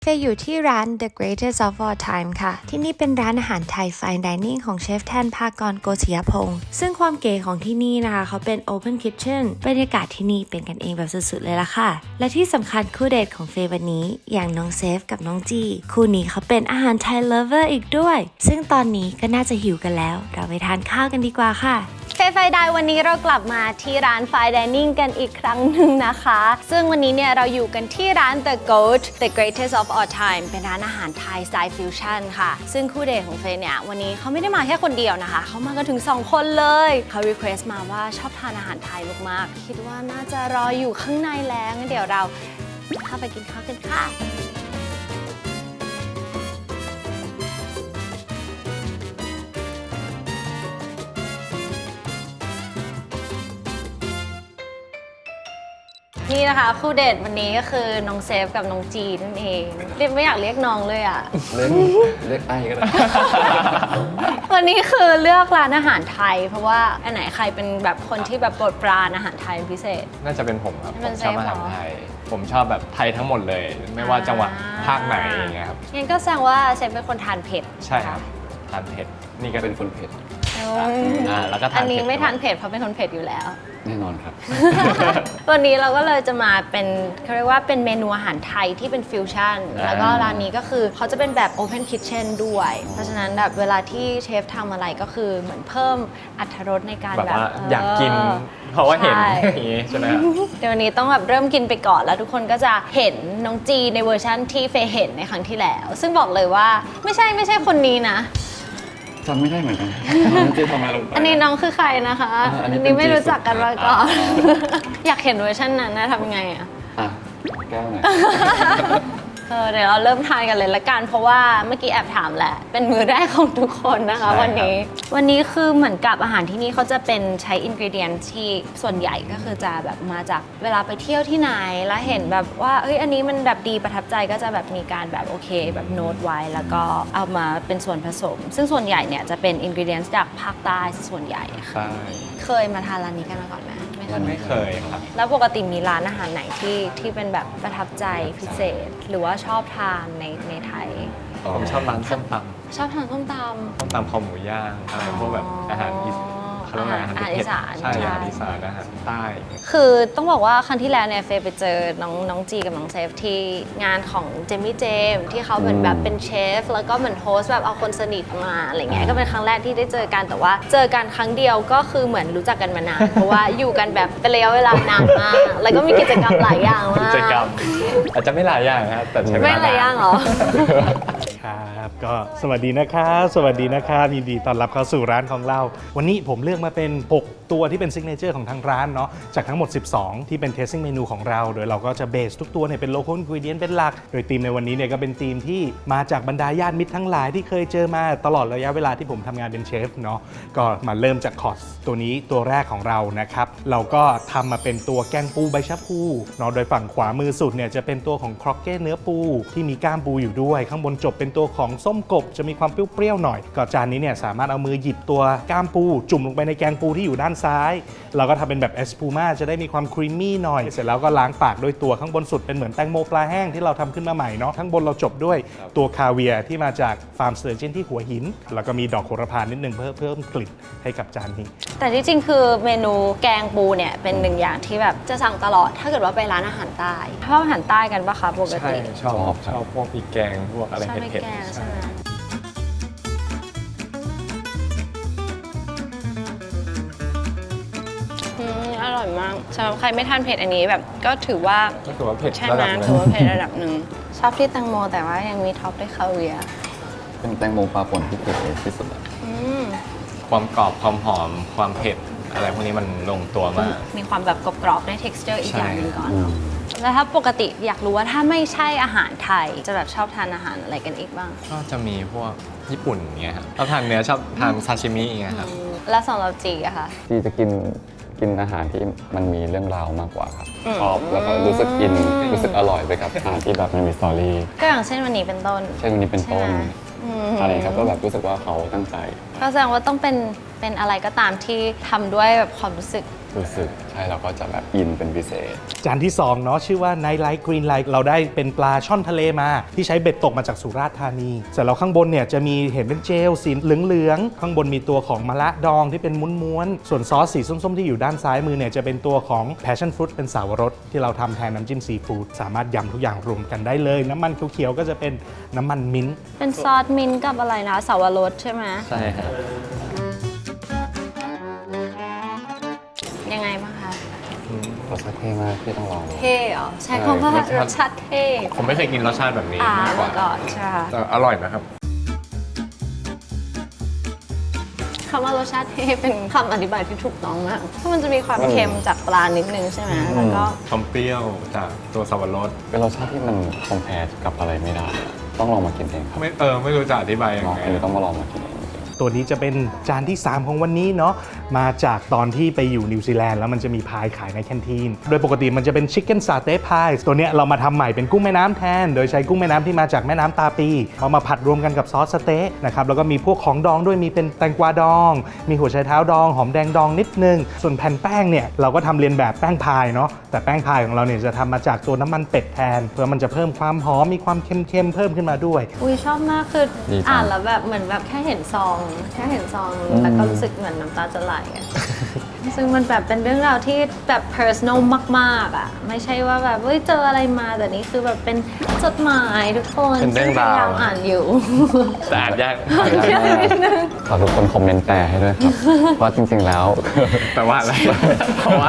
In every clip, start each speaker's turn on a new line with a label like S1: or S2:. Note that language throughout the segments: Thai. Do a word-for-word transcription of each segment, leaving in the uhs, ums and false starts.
S1: เฟยอยู่ที่ร้าน The Greatest of All Time ค่ะที่นี่เป็นร้านอาหารไทย Fine Dining ของเชฟแทนภากรโกศิยพงศ์ซึ่งความเก๋ของที่นี่นะคะเขาเป็น Open Kitchen บรรยากาศที่นี่เป็นกันเองแบบสุดๆเลยละค่ะและที่สำคัญคู่เดทของเฟยวันนี้อย่างน้องเซฟกับน้องจีคู่นี้เขาเป็นอาหารไทย Lover อีกด้วยซึ่งตอนนี้ก็น่าจะหิวกันแล้วเราไปทานข้าวกันดีกว่าค่ะ
S2: เฟยไฟไดวันนี้เรากลับมาที่ร้าน Fine Dining กันอีกครั้งหนึ่งนะคะซึ่งวันนี้เนี่ยเราอยู่กันที่ร้าน The Goat The Greatest of All Time เป็นร้านอาหารไทยสไตล์ฟิวชั่นค่ะซึ่งคู่เดทของเฟยเนี่ยวันนี้เขาไม่ได้มาแค่คนเดียวนะคะเขามากันถึงสองคนเลยเขา request มาว่าชอบทานอาหารไทยมากๆคิดว่าน่าจะรออยู่ข้างในแล้วงั้นเดี๋ยวเราเข้าไปกินข้าวกันค่ะนี่นะคะคู่เดทวันนี้ก็คือน้องเซฟกับน้องจีนั่นเองเรียกไม่อยากเรียกน้องเลยอ่ะ
S3: เรียกเรียกไอ้ก็ได้
S2: วันนี้คือเลือกร้านอาหารไทยเพราะว่าอันไหนใครเป็นแบบคนที่แบบโปรดปรานอาหารไทยเป็นพิเศษ
S3: น่าจะเป็นผมครับ
S2: เป็
S3: ผม
S2: น
S3: ชอบอาหารไทยผมชอบแบบไทยทั้งหมดเลย ไม่ว่าจังหวัดภาคไหนอย่างเงี้ยครับ
S2: งั้นก็แสดงว่าเซฟเป็นคนทานเผ็ด
S3: ใช่ครับทานเผ็ดนี่ก็เป็นคนเผ็ด
S2: อ่า
S3: แล้วก็ทาน
S2: อันนี้ไม่ทานเผ็ดเพราะเป็นคนเผ็ดอยู่แล้ว
S3: แน่นอนครับ
S2: วันนี้เราก็เลยจะมาเป็นเขาเรียกว่าเป็นเมนูอาหารไทยที่เป็นฟิวชั่นแล้วก็ร้านนี้ก็คือเขาจะเป็นแบบ Open Kitchen ด้วยเพราะฉะนั้นแบบเวลาที่เชฟทำอะไรก็คือเหมือนเพิ่มอรรถรสในการ
S3: แบบ
S2: แบบ
S3: ว่าอยากกินเพราะว่าเห็นอย่างนี้ใช่ไหมครับ
S2: เดี๋ยววันนี้ต้องแบบเริ่มกินไปก่อนแล้วทุกคนก็จะเห็นน้องจีในเวอร์ชั่นที่เฟยเห็นในครั้งที่แล้วซึ่งบอกเลยว่าไม่ใช่ไม่ใช่คนนี้นะ
S3: จำไม่ได้เหมือนกันจีทำอะไรลงไป
S2: อันนี้น้องคือใครนะคะอันนี้ไม่รู้จักกันมาก่อนอยากเห็นเวอร์ชันนั้นนะทำไงอ่ะ
S3: อ่ะแก้วไหน
S2: เออเดี๋ยวเราเริ่มทานกันเลยละกันเพราะว่าเมื่อกี้แอบถามแหละเป็นมื้อแรกของทุกคนนะคะวันนี้วันนี้คือเหมือนกับอาหารที่นี่เขาจะเป็นใช้อินกรีเดียนที่ส่วนใหญ่ก็คือจะแบบมาจากเวลาไปเที่ยวที่ไหนแล้วเห็นแบบว่าเอ้ยอันนี้มันแบบดีประทับใจก็จะแบบมีการแบบโอเคแบบโน้ตไว้แล้วก็เอามาเป็นส่วนผสมซึ่งส่วนใหญ่เนี่ยจะเป็นอินกรีเดียนจากภาคใต้ส่วนใหญ่ค่ะเคยมาทานร้านนี้กันมาก่อนไหม
S3: ไม่เคยครับ
S2: แล้วปกติมีร้านอาหารไหนที่ที่เป็นแบบประทับใจพิเศษหรือว่าชอบทานในในไทย
S3: ผมชอบร้านส้มตำ
S2: ชอบทานส้มตำ
S3: ส้มตำคอหมูย่างเป็นพวกแบบอาหารอีสเขาเรียกว่าอาหาร
S2: อีสาน
S3: ใช่อาหารอีสานอาหารใต้
S2: คือต้องบอกว่าครั้งที่แล้วเนี่ยเฟยไปเจอน้องน้องจีกับน้องเซฟที่งานของเจมี่เจมที่เขาเหมือนแบบเป็นเชฟแล้วก็เหมือนโฮสต์แบบเอาคนสนิทมาอะไรเงี้ยก็เป็นครั้งแรกที่ได้เจอกันแต่ว่าเจอกันครั้งเดียวก็คือเหมือนรู้จักกันมานานเพราะว่าอยู่กันแบบเป็นระยะเวลานานมากแล้วก็มีกิจกรรมหลายอย่างมาก
S3: กิจกรรมอาจจะไม่หลายอย่างนะครับแต่ใช้เวลา
S2: ไม่หลายอย่างหรอ
S4: ครับก็สวัสดีนะครับสวัสดีนะครับยินดีต้อนรับเข้าสู่ร้านของเราวันนี้ผมเลือกมาเป็นหกตัวที่เป็นซิกเนเจอร์ของทางร้านเนาะจากทั้งหมดสิบสองที่เป็นเทสติ้งเมนูของเราโดยเราก็จะเบสทุกตัวเนี่ยเป็นโลคอลอินกรีเดียนเป็นหลักโดยธีมในวันนี้เนี่ยก็เป็นธีมที่มาจากบรรดาญาติมิตรทั้งหลายที่เคยเจอมาตลอดระยะเวลาที่ผมทำงานเป็นเชฟเนาะก็มาเริ่มจากคอร์สตัวนี้ตัวแรกของเรานะครับเราก็ทำมาเป็นตัวแกงปูใบชะพูเนาะโดยฝั่งขวามือสุดเนี่ยจะเป็นตัวของครอกเก้เนื้อปูที่มีก้ามปูอยู่ด้วยข้างบนจบเป็นตัวของส้มกบจะมีความเปรี้ยวๆหน่อยก็จานนี้เนี่ยสามารถเอามือหยิบตัวก้ามปูจุ่มลงไปในแกงปูที่อยู่ด้านซ้ายเราก็ทำเป็นแบบเอสพูม่าจะได้มีความครีมมี่หน่อยเสร็จแล้วก็ล้างปากด้วยตัวข้างบนสุดเป็นเหมือนแตงโมปลาแห้งที่เราทำขึ้นมาใหม่เนาะข้างบนเราจบด้วยตัวคาเวียร์ที่มาจากฟาร์มสเตอร์เจนที่หัวหินแล้วก็มีดอกโหระพานิดนึงเพื่อเพิ่มกลิ่นให้กับจานนี้
S2: แต่ที่จริงคือเมนูแกงปูเนี่ยเป็นหนึ่งอย่างที่แบบจะสั่งตลอดถ้าเกิดว่าไปร้านอาหารใต้ชอบอาหารใต้กันปะคะปกติ
S3: ชอบชอบพวกพริกแกงพวกอะไรเผ็ด
S2: ๆใช่ไหมอร่อยมากสำหรับใครไม่ทานเผ็ดอันนี้แบบก็ถือว่า
S3: ก็ถือว่าเผ็ด
S2: ใช่ไหมถือว่าเผ็ดระดับหนึ่งชอบที่แตงโมแต่ว่ายังมีท็อปด้วยคาเวียร์
S3: เป็นแตงโมปลาป่นที่เผ็ดที่สุดความกรอบความหอมความเผ็ดอะไรพวกนี้มันลงตัวมาก
S2: มีความแบบกรอบๆได้ texture อีกอย่างหนึ่งก่อนแล้วถ้าปกติอยากรู้ว่าถ้าไม่ใช่อาหารไทยจะแบบชอบทานอาหารอะไรกันอีกบ้าง
S3: ก็จะมีพวกญี่ปุ่นเงี้ยครับชอบทานเนื้อชอบทานซาชิมิอย่างเงี้ยครับ
S2: แล้วสำหรับจีอะค่ะ
S5: จีจะกินกินอาหารที่มันมีเรื่องราวมากกว่าครับชอบแล้วก็รู้สึกอินรู้สึกอร่อยไปกับอาหารที่แบบมันมีสตอรี่
S2: ก็อย่างเช่นวันนี้เป็นต้น
S5: เช่นวันนี้เป็นต้นอะไรครับก็แบบรู้สึกว่าเขาตั้งใจ
S2: ก็แสดงว่าต้องเป็นเป็นอะไรก็ตามที่ทำด้วยแบบความรู้สึก
S5: รู้สึกใช่เราก็จะแบบอินเป็นพิเศษ
S4: จานที่สองเนาะชื่อว่า Night Light Green Light เราได้เป็นปลาช่อนทะเลมา ที่ใช้เบ็ดตกมาจากสุราษฎร์ธานีเสร็จแล้วข้างบนเนี่ยจะมีเห็นเป็นเจลสีเหลืองๆข้างบนมีตัวของมะระดองที่เป็นม้วนๆส่วนซอสสีส้มๆที่อยู่ด้านซ้ายมือเนี่ยจะเป็นตัวของ Passion Fruit เป็นสาวรสที่เราทำแทนน้ำจิ้มซีฟู้ดสามารถยำทุกอย่างรวมกันได้เลยน้ำมันเขียวๆก็จะเป็นน้ำมันมิ้นท์
S2: เป็นซอสมิ้นท์กับอะไรนะสาวรสใช่ไหม
S3: ใช่ครับ
S2: ยังไงบ้างคะ
S5: รสชาติเท่มากที่ต้องลองดู
S2: เท่เหรอใช้คำว่ารสชาติเท่
S3: ผมไม่เคยกินรสชาติแบบนี้
S2: อ่าม
S3: ากกว่า
S2: มาก่อนใช่ค่ะ
S3: แต่อร่อยนะครับ
S2: คำว่ารสชาติเท่เป็นคำอธิบายที่ถูกต้องมากเพราะมันจะมีความเค็มจากปลานิดนึงใช่ไหมแล้วก็
S3: ความเปรี้ยวจากตัวสับปะรด
S5: เป็นรสชาติที่มันคอมเพลกับอะไรไม่ได้อะต้องลองมากินเองครับ
S3: ไม่เออไม่รู้จะอธิบายยัง
S5: เนาะ
S3: ไง
S5: อันนี้ต้องมาลองมากินเอง
S4: ตัวนี้จะเป็นจานที่ สาม ของวันนี้เนาะมาจากตอนที่ไปอยู่นิวซีแลนด์แล้วมันจะมีพายขายในแคนทีนโดยปกติมันจะเป็นชิคเก้นซาเต้พายตัวเนี้ยเรามาทำใหม่เป็นกุ้งแม่น้ำแทน โดยใช้กุ้งแม่น้ำที่มาจากแม่น้ำตาปีเอามาผัดรวมกันกับซอสสเต๊ะนะครับแล้วก็มีพวกของดองด้วยมีเป็นแตงกวาดอง มีหัวไชเท้าดองหอมแดงดองนิดนึงส่วนแผ่นแป้งเนี่ยเราก็ทำเรียนแบบแป้งพายเนาะแต่แป้งพายของเราเนี่ยจะทำมาจากตัวน้ำมันเป็ดแทนเพื่อมันจะเพิ่มความหอมมีความเค็มๆเพิ่มขึ้นมาด้วย
S2: อุ้ยชอบมากคือ
S5: ดีจัง
S2: อ่านแล้วแบบเหมือนแบบแค่เห็นซองแค่เห็นซองแล้วก็รู้สึกเหมือนน้ำตาจะไหลอะ ซึ่งมันแบบเป็นเรื่องราวที่แบบ personal มากๆอ่ะไม่ใช่ว่าแบบเฮ้ยเจออะไรมาแต่นี่คือแบบเป็นจดหมายทุกคน
S3: เป็นเรื่องราว
S2: ซึ่พยายามอ่านอยู่
S3: แต่อ่านยาก
S2: ยากนิดนึง
S5: ขอทุกคนคอมเมนต์แปลให้ด้วยครับ ว่าจริงๆแล้ว
S3: แปลว่าอะไร เพราะว่า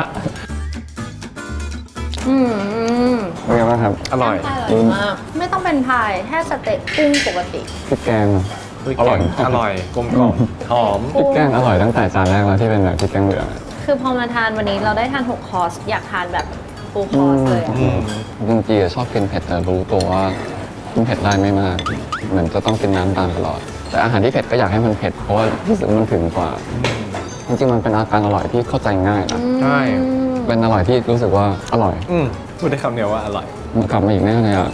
S2: อืม
S5: เป็นไงบ้างครับ
S3: อร่อย
S2: อร่อยมากไม่ต้องเป็นพายแค่สเต็กกุ้งปกติ
S5: พริกแกงอร่อย
S3: อร่อยกลมกล่อมหอม
S5: พริกแกงอร่อยตั้งแต่จานแรกแล้วที่เป็นแบบพริกแกงเหลืองอะ
S2: คือพอมาทานวันนี้เราได้ทานหกคอร์สอยากทานแบบฟูลคอร์สเลยอะ
S3: อืม
S5: จริงๆอะชอบกินเผ็ดแต่รู้ตัวว่ากินเผ็ดได้ไม่มาก เหมือนจะต้องกินน้ำตามตลอด แต่อาหารที่เผ็ดก็อยากให้มันเผ็ดเพราะว่ารู้สึกว่ามันถึงกว่า จริงๆมันเป็นอาการอร่อยที่เข้าใจง่ายนะ
S3: ใช่
S5: เป็นอร่อยที่รู้สึกว่าอร่อย
S3: อืมพูดได้คำเดียวว่าอร่อย
S5: มันกลับมาอีกแน่เลยอ่ะ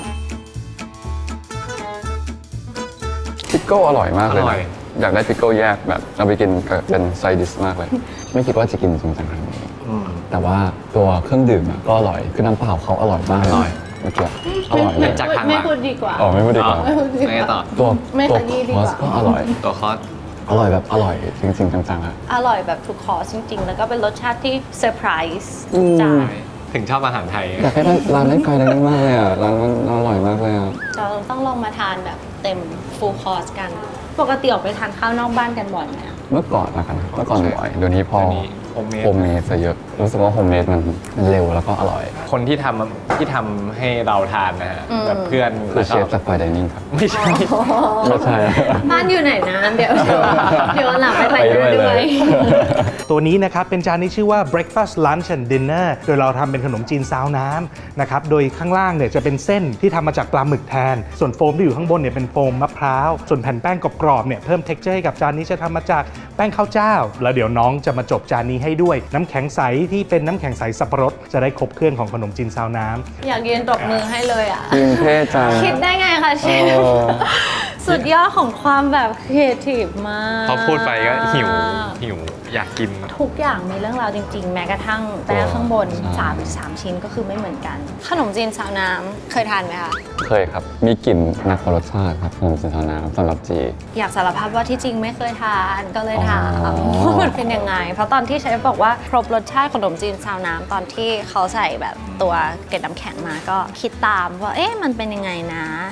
S5: พิกโก้อร่อยมากเลย
S3: อร่อย
S5: นะอยากได้พิกโก้แยกแบบเอาไปกินกับเป็นไซดิสมากเลย ไม่คิดว่าจะกินจริงจังขนาดนี้
S3: อืม
S5: แต่ว่าตัวเครื่องดื่มอะก็อร่อยคือน้ำเปล่าเขาอร่อยมาก
S3: อร่อย
S5: เมื่อกี้อร่อยเลย
S3: จากทางหลัง
S2: ไม่พูดดีกว่า
S5: อ๋อไม่พูดดีกว่า
S3: อ๋อไม่ไงต่อ
S5: ตัว
S2: ไม่
S5: ตัว
S2: ขยี้ดี
S5: ค
S2: ก
S5: อ
S2: ว่า
S5: สก็อร่อย
S3: ตัวคอส
S5: อร่อยแบบอร่อยจริงๆจังๆอะ
S2: อร่อยแบบทุกคอร์สจริงๆ แล้วก็เป็นรสชาติที่เซอร์ไพรส์
S5: อืม
S2: จาน
S3: ถึงชอบอาหารไทย
S5: อยากให้ร้านเล่นไกลได้มากเลยอ่ะร้านมันอร่อยมากเลยอ่ะ
S2: เราต้องลองมาทานแบบเต็มฟูลคอร์สกัน ปกติออกไปทานข้าวนอกบ้านกันบ่อยไหมอะ
S5: เมื่อก่อนนะครับเมื่อก่อนบ่อยเดี๋ยวนี้พอ
S3: เดี๋ยวนี้ homemade
S5: โฮมเมดซะเยอะรู้สึกว่าโฮมเมดมันมันเร็วแล้วก็อร่อย
S3: คนที่ทำที่ทำให้เราทานนะฮะแบบเพื่อน
S5: คือเชฟ
S3: แล้วก็
S5: จากไฟดิเนิ่งครับ
S3: ไม่ใช่
S5: ไม่ใช่
S2: บ้านอยู่ไหนนะ เดี๋ยวเดี๋ยวเดี๋ยววันหลังไปไปหน้าด้วย
S4: ตัวนี้นะครับเป็นจานที่ชื่อว่า breakfast lunch and dinner โดยเราทำเป็นขนมจีนซาวน้ำนะครับโดยข้างล่างเนี่ยจะเป็นเส้นที่ทำมาจากปลาหมึกแทน ส่วนโฟมที่อยู่ข้างบนเนี่ยเป็นโฟมมะพร้าวส่วนแผ่นแป้งกรอบๆเนี่ยเพิ่ม texture ให้กับจานนี้จะทำมาจากแป้งข้าวเจ้า แล้วเดี๋ยวน้องจะมาจบจานนี้ให้ด้วยน้ำแข็งใสที่เป็นน้ำแข็งใสสับปะรดจะได้ครบเครื่องของขนมจีนซาวน้ำ
S2: อยากยืนตบมือให้เลยอ่ะ
S5: จริงเท่จัง
S2: คิดได้ไงคะเชฟ
S5: เออ
S2: สุดยอดของความแบบครีเอทีฟมาก
S3: พอพูดไปก็หิวหิวอยากกิน
S2: ทุกอย่างมีเรื่องราวจริงๆ แม้กระทั่งแป้งข้างบนสามสามชิ้นก็คือไม่เหมือนกัน ขนมจีนซาวน้ำเคยทานไหมคะ
S5: เคยครับมีกลิ่นหนักกว่ารสชาติครับขนมจีนซาวน้ำสำหรับจี
S2: อยากสารภาพว่าที่จริงไม่เคยทานก็เลยถาม
S5: อ๋อ
S2: ว่ามันเป็นยังไง เพราะตอนที่เชฟบอกว่าครบรสชาติขนมจีนซาวน้ำตอนที่เขาใส่แบบตัวเกล็ดน้ำแข็งมาก็คิดตามว่าเอ๊ะมันเป็นยังไงนะ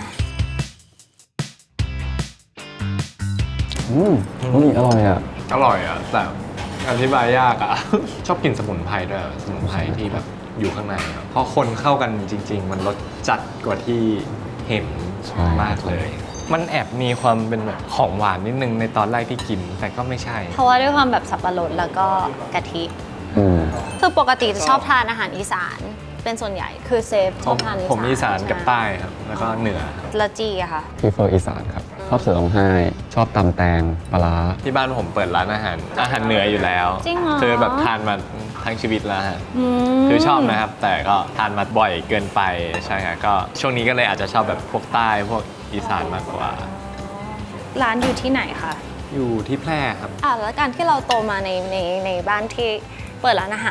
S5: อืมอุ้ยอร่อยอ่ะ
S3: อร่อยอ่ะแต่อธิบายยากอ่ะ ชอบกินสมุนไพรด้วยสมุนไพรที่แบบอยู่ข้างในอะพอคนเข้ากันจริง ๆ มันรสจัดกว่าที่เห็น
S5: ใช่
S3: มากเลย มันแอบมีความเป็นแบบของหวานนิดนึงในตอนแรกที่กิน แต่ก็ไม่ใช่
S2: เพราะว่าด้วยความแบบสับปะรดแล้วก็กะทิ
S5: อืม
S2: คือปกติจะชอบทานอาหารอีสานเป็นส่วนใหญ่คือเซฟชอบทานอีสาน
S3: ผมอีสานกับ
S2: ช่
S3: ใต้ครับ แล้วก็เหนือครับ
S2: ละจีอะค่ะ
S5: พีเฟอร์อีสานครับ ชอบเสือร้องไห้ ชอบตำแตงปลาร้า
S3: ที่บ้านผมเปิดร้านอาหาร อาหารเหนืออยู่แล้ว
S2: จริงเหรอ
S3: คือแบบทานมาทั้งชีวิตแล้วฮะ
S2: ม
S3: คือชอบนะครับ แต่ก็ทานมาบ่อยเกินไปใช่ครับก็ช่วงนี้ก็เลยอาจจะชอบแบบพวกใต้พวกอีสานมากกว่า
S2: ร้านอยู่ที่ไหนคะ
S3: อยู่ที่แพร่ครับ
S2: อ่ะแล้วการที่เราโตมาในในในบ้านที่เปิดร้านอาหารอะ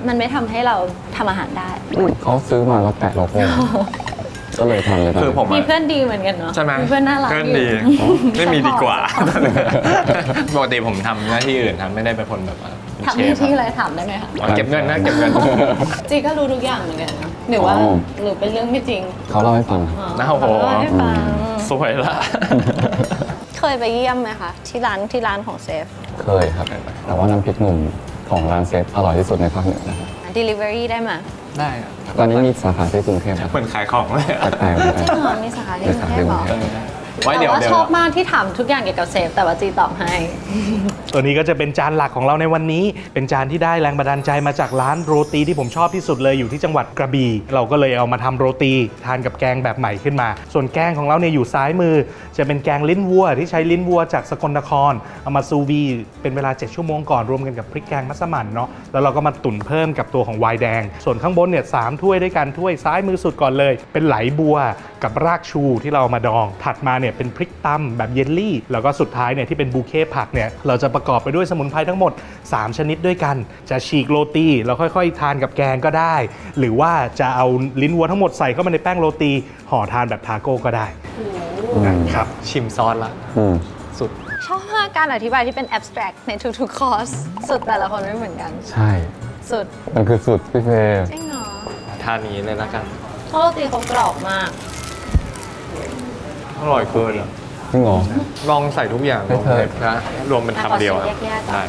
S2: มันไม่ทำให้เราทำอาหารได้
S5: เขาซื้อมาแล้วแปะโลโก้ ก็เลยทำเลยตอน
S3: คือ
S5: นั้น
S3: ผม
S2: มี
S3: อะ
S2: เพื่อนดีเหมือนกันเนาะ
S3: ใช่ไหม
S2: มีเพื่อนน่ารัก
S3: เพื่อน
S2: อยู่
S3: ดีไม่มีดีกว่า ปกติผมทำหน้าที่อื่นทำไม่ได้เป็นคนแบบว่าเป็น
S2: ทำ
S3: เช
S2: หน้า
S3: ฟ
S2: ที่
S3: อะ
S2: อะไรถามได้ไหมคะ
S3: อ๋อเก็บเงินนะเก็บเงิน
S2: จีก็รู้ทุกอย่างเหมือนกันนะหรือว่าหรือเป็นเรื่องไม่จริง
S5: เขาเล่าให้ฟังครับ
S2: อ๋อ
S3: น่าโห
S2: เล่าให้ฟัง
S3: สวยละ
S2: เคยไปเยี่ยมไหมคะที่ร้านที่ร้านของเซฟ
S5: เคยครับ แต่ว่าน้ำพริกหนุ่มของร้านเซฟอร่อยที่สุดในภาคเหนือนะครับ
S2: delivery ได้ไหม
S3: ได้อะ
S5: ตอนนี้มีสาขาที่กรุงเทพนะค
S3: เห
S5: รับ
S3: มือนขายของเลยอะ
S5: แปลกๆเหมือน
S2: จ
S5: กั
S2: ริ
S5: น
S2: งเหรอมีสาขาที่
S5: มี
S2: กรุ
S5: สาง ขา
S2: เท
S5: ที่
S2: พ
S5: ก
S2: เหร
S5: รุ
S2: อง
S5: เทพ
S3: ไว้
S2: แต่
S3: เดี๋ยว
S2: ว่า
S3: เดี๋ยว
S2: ชอบมากที่ถามทุกอย่างเกี่ยวกับเซฟแต่ว่าจีตอบให้
S4: ตัวนี้ก็จะเป็นจานหลักของเราในวันนี้ เป็นจานที่ได้แรงบันดาลใจมาจากร้านโรตีที่ผมชอบที่สุดเลยอยู่ที่จังหวัดกระบี่เราก็เลยเอามาทำโรตีทานกับแกงแบบใหม่ขึ้นมา ส่วนแกงของเราเนี่ยอยู่ซ้ายมือ จะเป็นแกงลิ้นวัวที่ใช้ลิ้นวัวจากสกลนครเอามาซูวีเป็นเวลาเจ็ดชั่วโมงก่อนรวมกันกับพริกแกงมัสมั่นเนาะแล้วเราก็มาตุ๋นเพิ่มกับตัวของไวน์แดง ส่วนข้างบนเนี่ยสามถ้วยด้วยกันถ้วยซ้ายมือสุดก่อนเลย เป็นไหลบัวกับรากชูที่เราเอามาดอง ถัดมาเนี่ยเป็นพริกตำแบบเยลลี่ แล้วก็สุดท้ายเนี่ยที่เป็นบูเค่ผักเนี่ยเราจะประกอบไปด้วยสมุนไพรทั้งหมดสามชนิดด้วยกัน จะฉีกโรตีแล้วค่อยๆ ทานกับแกงก็ได้ หรือว่าจะเอาลิ้นวัวทั้งหมดใส่เข้ามาในแป้งโรตีห่อทานแบบทาโก้ก็ได้
S5: อืม
S4: ครับ
S3: ชิมซอสละ
S5: อืม
S3: สุด
S2: ชอบมากการอธิบายที่เป็น abstract ในทุกๆคอร์สสุดแต่ละคนไม่เหมือนกัน
S5: ใช่
S2: สุด
S5: มันคือสุดพี่เฟย์
S2: จริงเหรอ
S3: ทานนี้เลยละกัน
S2: เพราะโรตีเขากรอบมาก
S3: อร่อยเกินอะ
S5: จริงเหรอ
S3: ลองใส่ทุกอย่าง
S5: ไม่
S3: ลง
S5: เคย
S3: เลยนะรวมเป็นคำเดียวอะ
S2: ขอชิมแยกๆก่อน
S3: ได้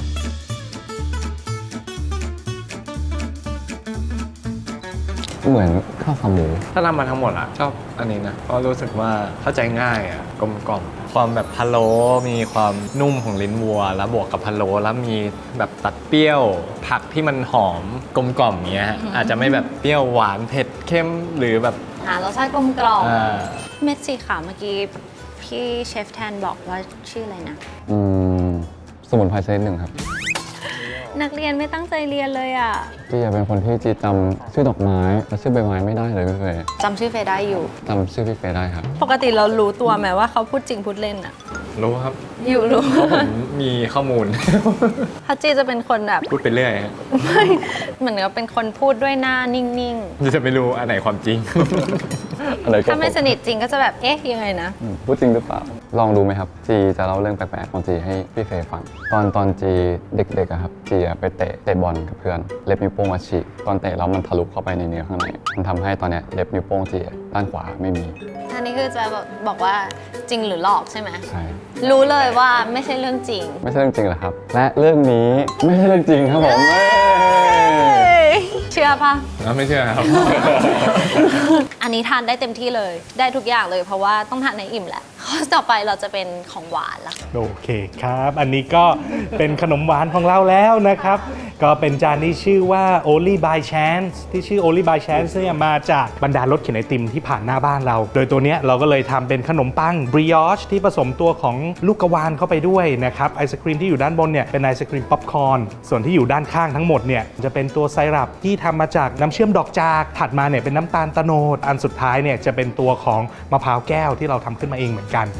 S5: เหมือนข้าวขาหมู
S3: ถ้าทำมาทั้งหมดอะชอบอันนี้นะเพราะรู้สึกว่าเข้าใจง่ายอะกลมกล่อมความแบบพะโล้มีความนุ่มของลิ้นวัว แล้วบวกกับพะโล้แล้วมีแบบตัดเปรี้ยวผักที่มันหอมกลมกล่อมอย่างเงี้ยฮะอาจจะไม่แบบเปรี้ยวหวานเผ็ดเข้มหรือแบบ
S2: หารสชาติกลมกล่อม
S3: อ่า
S2: เม็ดสีขาวเมื่อกี้พี่เชฟแทนบอกว่าชื่ออะไรนะ
S5: อืม สมุนไพรชนิดหนึ่งครับ
S2: นักเรียนไม่ตั้งใจเรียนเลยอ่ะ
S5: จีเป็นคนที่จีจำชื่อดอกไม้และชื่อใบไม้ไม่ได้เลยพี่เฟย์
S2: จำชื่อเฟยได้อยู่
S5: จำชื่อพี่เฟย์ได้ครับ
S2: ปกติเรารู้ตัวไหมว่าเขาพูดจริงพูดเล่นอ่ะ
S3: รู้ครับ
S2: อยู่รู้
S3: เพราะผมมีข้อมูล
S2: พัจีจะเป็นคนแบบ
S3: พูดไปเรื่อยฮะ
S2: เหมือนกับเป็นคนพูดด้วยหน้านิ่ง
S3: จะไม่รู้อันไหนความจริง
S5: อะไร
S2: ๆ
S5: ก็
S2: ถ้าไม่สนิทจริงก็จะแบบ เอ๊ะ ยังไงนะ
S5: อืมพูดจริงหรือเปล่า ลองดูไหมครับ จีจะเล่าเรื่องแปลกๆของจีให้พี่เฟย์ฟัง ตอนตอนจีเด็กๆอะครับ จีอะไปเตะเตะบอลกับเพื่อน เล็บนิ้วโป้งมาฉีกตอนเตะแล้วมันทะลุเข้าไปในเนื้อข้างใน มันทำให้ตอนเนี้ยเล็บนิ้วโป้งจีอะด้านขวาไม่มี
S2: อันนี้คือจะบอกว่าจริงหรือหลอกใช่ไหม
S5: ใช่
S2: รู้เลยว่าไม่ใช่เรื่องจริง
S5: ไม่ใช่เรื่องจริงเหรอครับ และเรื่องนี้ไม่ใช่เรื่องจริงครับผมเอ้ย
S2: เชื่อปะ
S3: แล้วไม่เชื่อครับ
S2: อันนี้ทานได้เต็มที่เลย ได้ทุกอย่างเลยเพราะว่าต้องทานในอิ่มแหละ ข้อต่อไปเราจะเป็นของหวานละ
S4: โอเคครับ อันนี้ก็เป็นขนมหวานของเราแล้วนะครับ ก็เป็นจานที่ชื่อว่า Only by Chance ที่ชื่อ Only by Chance เนี่ยมาจากบรรดารถเข็นไอติมที่ผ่านหน้าบ้านเรา โดยตัวเนี้ยเราก็เลยทำเป็นขนมปัง brioche ที่ผสมตัวของลูกกระวานเข้าไปด้วยนะครับไอศครีมที่อยู่ด้านบนเนี่ยเป็นไอศครีมป๊อปคอร์นส่วนที่อยู่ด้านข้างทั้งหมดเนี่ยจะเป็นตัวไซรัปที่ทำมาจากน้ำเชื่อมดอกจาก ถัดมาเนี่ยเป็นน้ำตาลตะโนดอันสุดท้ายเนี่ยจะเป็นตัวของมะพร้าวแก้วที่เราทำขึ้นมาเองเหมือนกัน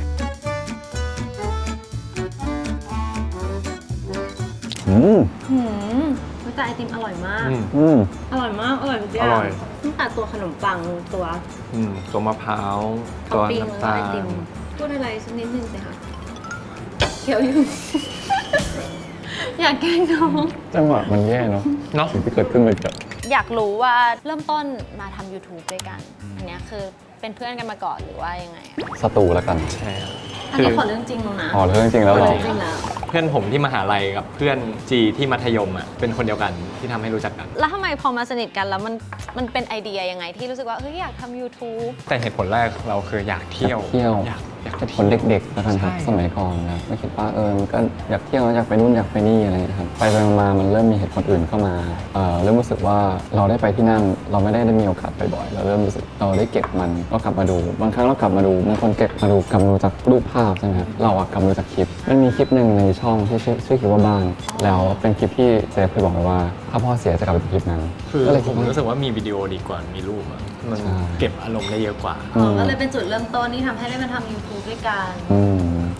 S5: อืม
S2: หืมแต่ไอติมอร่อยมาก
S3: อืม
S5: อืม
S2: อร่อยมาก อร่อยจริง
S3: อร่อย
S2: ตั้งแต่ตัวขนมปังตัว
S3: อืมตัวมะพร้าว
S2: ท็
S3: ตั
S2: อ
S3: ว
S2: ปปิ้งแล้วก็
S3: น้ำตา
S2: ไอ
S3: ล
S2: ติมพูดอะไรสักนิดนึงสิคะเคี้ยวอยู่ อยากแกล้งน้อง
S5: จังหวะมันแย่เนาะ
S3: เนาะ
S5: สิ่งที่เกิดขึ้นเลยกับ
S2: อยากรู้ว่าเริ่มต้นมาทำ YouTube ด้วยกัน อันเนี้ยคือเป็นเพื่อนกันมาก่อนหรือว่ายังไงอะ
S5: สตูแล้วกัน
S3: ใช่ครับ
S2: อัน
S3: คือ
S2: นี้ขอเรื่องจริงแล้วนะ
S5: อ๋อเรื่องจริงแล้วเหรอ
S2: เรื่องจริงแล้ว
S3: เพื่อนผมที่มหาลัยกับเพื่อนจีที่มัธยมอ่ะเป็นคนเดียวกันที่ทำให้รู้จักกัน
S2: แล้วทำไมพอมาสนิทกันแล้วมันมันเป็นไอเดียยังไงที่รู้สึกว่าเฮ้ยอยากทำ YouTube
S3: แต่เหตุผลแรกเราคืออยากเที่ยว
S5: เที่ยว
S3: อยากอยาก
S5: เป็นคนเด็กๆแล้วกันครับ
S3: ใช่
S5: สมัยก่อนนะครับไม่คิดว่าเออมันก็อยากเที่ยวอยากไปนู่นอยากไปนี่อะไรนะครับ ไปไปมาๆมันเริ่มมีเหตุผลอื่นเข้ามาเอ่อเริ่มรู้สึกว่าเราได้ไปที่นั่น เราไม่ได้ได้มีโอกาสบ่อยๆเราเริ่มรู้สึกเราได้เก็บมันเรากลับมาดู บางครั้งเรากลับมาดูบางคนเก็บมาดูกลับมาดูจากรูปภาพใช่ไหมครับเราอะกลับมาดูจากคลิปมันมีคลิปหนึ่งในช่องที่ชื่อชื่อคลิปว่าบ้านแล้วเป็นคลิปที่เซฟเคยบอกไว้ว่าถ้าพ่อเสียจะกลับไปดูคลิปนั้น
S3: คือ
S5: ก็เลย
S3: ผ
S5: คิด
S3: ม
S5: ว่า
S3: รู้สึกว่ามีวิดีโอดีกว่ามีรูปอะมัน
S5: ใช่
S3: เก็บอารมณ์ได้เยอะกว่า
S5: อืม
S2: ก็เลยเป็นจุดเริ่มต้นที่ทำให้ได้มาทำ YouTube ด้วยกัน
S5: อืม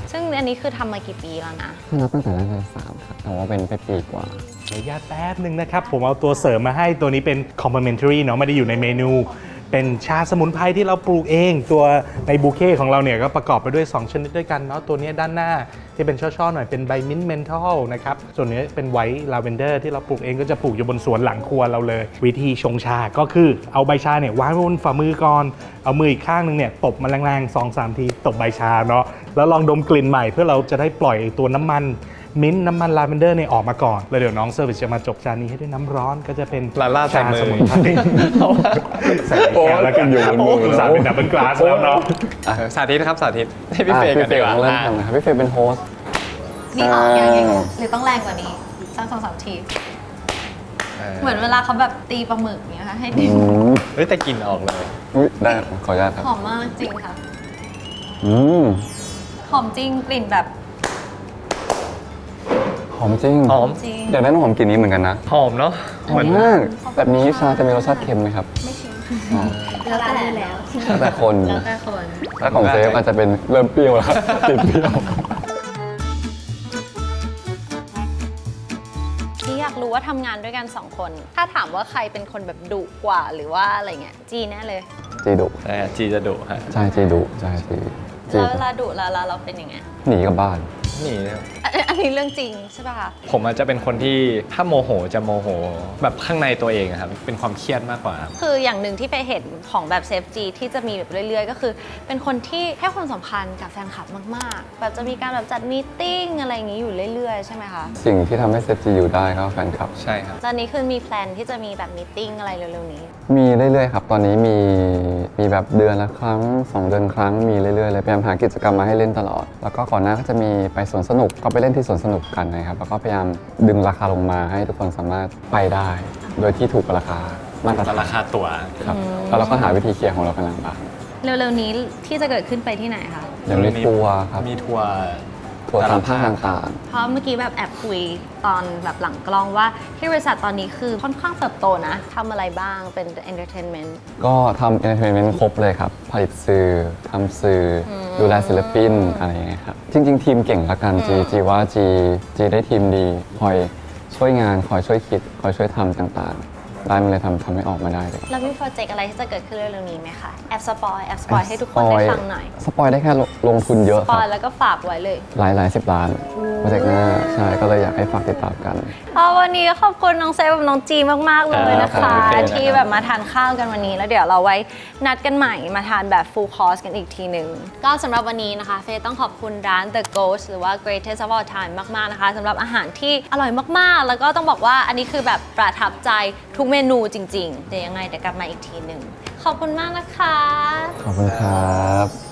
S2: ซึ่งอันนี้คือทำมากี่ปีแล้วนะ
S5: ถ้านับตั้งแต่แรกเลยสามครับแต่ว่าเป็นไปปีกว่า
S4: ขออนุญาตแป๊บหนึ่งนะครับ ผมเอาตัวเสริมมาให้ตัวนี้เป็น complimentary เนาะไม่ได้อยู่ในเมนู เป็นชาสมุนไพรที่เราปลูกเอง ตัวในบูเค่ของเราเนี่ยก็ประกอบไปด้วย สอง ชนิดด้วยกันเนาะตัวนี้ด้านหน้าที่เป็นช่อๆหน่อยเป็นใบมิ้นท์เมนทัลนะครับส่วนนี้เป็นไวท์ลาเวนเดอร์ที่เราปลูกเองก็จะปลูกอยู่บนสวนหลังครัวเราเลย วิธีชงชาก็คือเอาใบชาเนี่ยวางบนฝ่ามือก่อนเอามืออีกข้างนึงเนี่ยตบมันแรงๆ สองสาม ทีตบใบชาเนาะแล้วลองดมกลิ่นใหม่เพื่อเราจะได้ปล่อยตัวน้ำมันมิ้นท์น้ำมันลาเวนเดอร์เนี่ยออกมาก่อนแล้วเดี๋ยวน้องเซอร์วิสจะมาจบจานนี้ให้ด้วยน้ำร้อนก็จะเป็น
S3: ลาล่าใส่มือ
S4: ชสมุนไพรใส่แก้วแล้วกัน
S5: อยู่บนมือ
S4: โอุตส่าห์เป็นดับเบิลกลาสแล้วเนาะ
S3: เออสาธิตนะครับสาธิตให้พี่
S5: อ่ะ
S3: เฟย์
S5: พี่
S3: กัน
S5: เฟ
S3: ดี
S5: ย์
S3: กว่า
S5: ต้องเริ่ม
S3: อ่ะ
S5: ทำนะครับพี่เฟย์เป็นโฮสต์
S2: นี่ออกยังไงหรือต้องแรงกว่านี้สักสองสามที เหมือนเวลาเขาแบบตีปลาหมึกเนี่ยค่ะให้ดี
S5: อืม
S3: เฮ้ยแต่กลินออกเลย
S5: อุ๊ยได้ขออนุญาตครับ
S2: หอมมากจริงค่ะ
S5: อืม
S2: หอมจริงกลิ่นแบบ
S5: หอมจริง
S3: หอม
S2: จริง
S5: อยากได้น้ำหอมกลิ่นนี้เหมือนกันนะ
S3: หอมเนาะ
S5: หอมมากแบบนี้ชาจะมีรสชาติเค็มไหมครับ
S2: แล้วแต่แล้ว
S5: แล้วแต่คน
S2: แล้วแต่คน
S5: ถ้าของเซฟอาจจะเป็นเริ่มเปรี้ยวแล้วครับติดเปรี้ยว
S2: ที่อยากรู้ว่าทำงานด้วยกันสองคน ถ้าถามว่าใครเป็นคนแบบดุกว่าหรือว่าอะไรเงี้ยจีแน่เลย
S5: จีดุ
S3: แต่จีจะดุฮะ
S5: ใช่จีดุใช่จีจี
S2: แล้วเวลาดุแล้วเราเป็นยังไง
S5: หนีกลับบ้าน
S3: นี่นะครับ
S2: อันอันนี้เรื่องจริงใช่ป่ะคะ
S3: ผมอาจจะเป็นคนที่ถ้าโมโหจะโมโห แบบข้างในตัวเองอะครับเป็นความเครียดมากกว่าครับ
S2: คืออย่างหนึ่งที่ไปเห็นของแบบเซฟจีที่จะมีแบบเรื่อยๆ ก็คือ เป็นคนที่ให้ความสำคัญกับแฟนคลับมากๆ แบบจะมีการแบบจัดมีตติ้งอะไรอย่างนี้อยู่เรื่อยๆ ใช่ไหมคะ
S5: สิ่งที่ทำให้เซฟจีอยู่ได้ก็แฟนคลับ
S3: ใช่ครับ
S2: ตอนนี้คือมีแพลนที่จะมีแบบมีตติ้งอะไรเร็วๆนี้
S5: มีเรื่อยๆครับ ตอนนี้มีมีแบบเดือนละครั้งสองเดือนครั้งมีเรื่อยๆเลยพยายามหากิจกรรมมาให้เล่นตลอด แล้วก็ก่อนหน้าก็จะมีไปสวนสนุกก็ไปเล่นที่สวนสนุกกันนะครับแล้วก็พยายามดึงราคาลงมาให้ทุกคนสามารถไปได้ โดยที่ถูกกว่าราคามาตรฐาน
S3: ราคาตั๋ว
S5: ครับแล้วเราก็หาวิธีเคลียร์ของเรากันหลังบ้าน
S2: เร็วๆนี้ที่จะเกิดขึ้นไปที่ไหนคะ
S5: เดี๋ยวมีทัวร์ครับ
S3: มีทัวร์
S5: ทัวร์ตามภาคต่าง
S2: เพราะเมื่อกี้แบบแอบคุยตอนแบบหลังกล้องว่าที่บริษัทตอนนี้คือค่อนข้างเติบโตนะทำอะไรบ้างเป็น entertainment
S5: ๆ ก็ทำเอนเตอร์เทนเมนต์ครบเลยครับ ผลิตสื่อทำสื่ออดูแลศิลปินอะไรอย่างเงี้ยครับ จริง ๆ ทีมเก่งละกันจีจีว่าจีจีได้ทีมดี คอยช่วยงาน คอยช่วยคิด คอยช่วยทำต่างๆ ได้มันเลยทำทำให้ออกมาได้เลย
S2: แล้วมีโปรเจกต์อะไรที่จะเกิดขึ้นเร็วๆนี้ไหมคะแอบสปอยแอบสปอยให้ทุกคนได้ฟังหน่อย
S5: สปอยได้แค่ลลงทุนเยอะ
S2: ส
S5: ค
S2: ป
S5: รั
S2: อย
S5: บ
S2: แล้วก็ฝากไว้เลย
S5: หลายหลายสิบล้านโปรเจกต์หน้าใช่ก็เลยอยากให้ฝากติดตามกัน
S2: เอาวันนี้ขอบคุณน้องเซฟกับน้องจีมาก ๆ เลยนะ
S3: ครั
S2: คะ
S3: บขอบคุณครับ
S2: ที่แบบมาทานข้าวกันวันนี้ แล้วเดี๋ยวเราไว้นัดกันใหม่มาทานแบบ full course กันอีกทีหนึ่งก็สำหรับวันนี้นะคะ เฟย์ต้องขอบคุณร้าน The Ghost หรือว่า Greatest of All Time มาก ๆ นะคะสำหรับอาหารที่อร่อยมาก ๆ แล้วก็ต้องบอกว่าอันนี้คือแบบประทับใจทุกเมนูจริง ๆ เดี๋ยวยังไงเดี๋ยวกลับมาอีกทีหนึ่งขอบคุณมากนะคะ
S5: ขอบคุณครับ